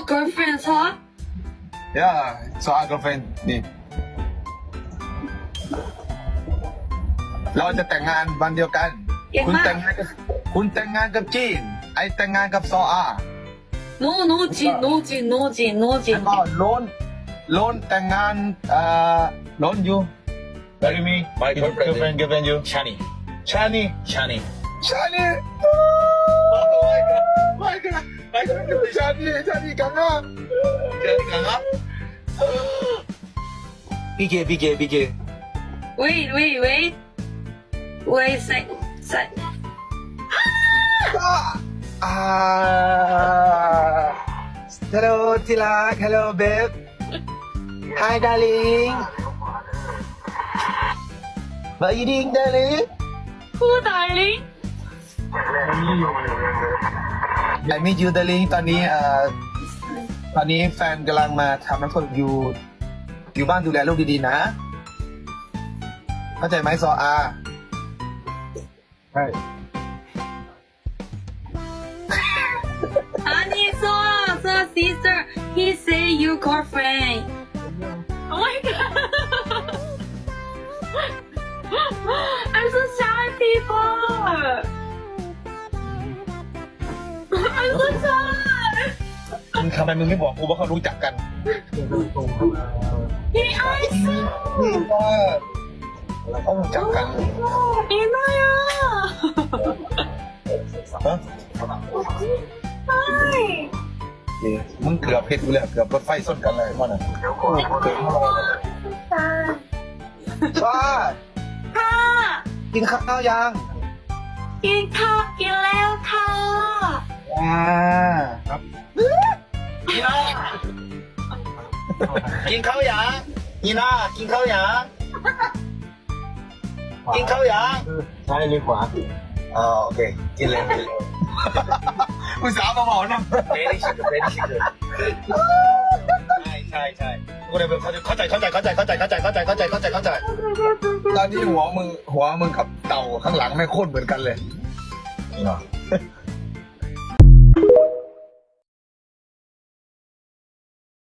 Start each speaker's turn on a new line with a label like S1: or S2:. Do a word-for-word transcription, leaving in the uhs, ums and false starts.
S1: girlfriend, huh?
S2: ย่าซออากับแฟนนี่เราจะแต่งงานวันเดียวกัน
S1: เก่ง
S2: คุณ
S1: มาก
S2: แต่งงานกับคุณแต่งงานกับจีน ไอแต่งงานกับซออา
S1: No, no, Jin, no, Jin, no, Jin, no,
S2: แล้ว
S1: Jin.
S2: ก็โลนโลนแต่งงานเอ่อโลนอยู่ What do you mean
S3: My
S2: girlfriend
S3: girlfriend
S2: girlfriend you
S3: Chani
S2: ชานี
S3: Chani
S2: ชานีโอ้ my god my god my god ชานีชานีกังอ่ะชานีกังอ่ะพีเคพีเคพีเค
S1: Wait, wait, wait. Wait, sec, sec.
S2: อ่า Hello ที่รัก Hello babe Hi darling What are you doing darling
S1: Who, darling?
S2: I meet you darling ตอนนี้เอ่อตอนนี้แฟนกำลังมาทำน้ำฝนอยู่ อยู่บ้านดูแลลูกดีๆนะ เข้าใจไหมซออาใช่
S1: Honey, so, so, sister. He say you girlfriend. Oh my god. I'm so shy, people. I'm so shy.
S2: มึงทำไมมึงไม่บอกกูว่าเขารู้จักกัน
S1: He eyes.
S2: นี่ว่าเขารู้จักกัน
S1: 이나야.
S2: ฮะ
S1: Hi.
S2: นี่มึงเกือบเพชรกูเลยเกือบรถไฟส้นกันเลยมันอ่ะชา
S1: ค่ะ
S2: กินข้าวยัง
S1: กินข้าวกินแล้วค่ะ
S2: อ่าครับ
S3: อีน่ากินข้าวยังอีน่ากินข้าวยังกินข้าวยัง
S2: ซ้ายหรือขวา
S3: อ๋อโอเคกินเลยกินเลย
S2: อุตส่าห์มาบอกนะ
S3: very sugar very sugar ใช่ใช่ใช่กูเลยเข้าใจเข้าใจเข้าใจเข้าใจเข้าใจเข้าใจเข้าใจเข้าใจเข้าใจ
S2: ตอนนี้หัวมึงหัวมึงกับเต่าข้างหลังไม่งโคตรเหมือนกันเลย
S3: จริงเหรอ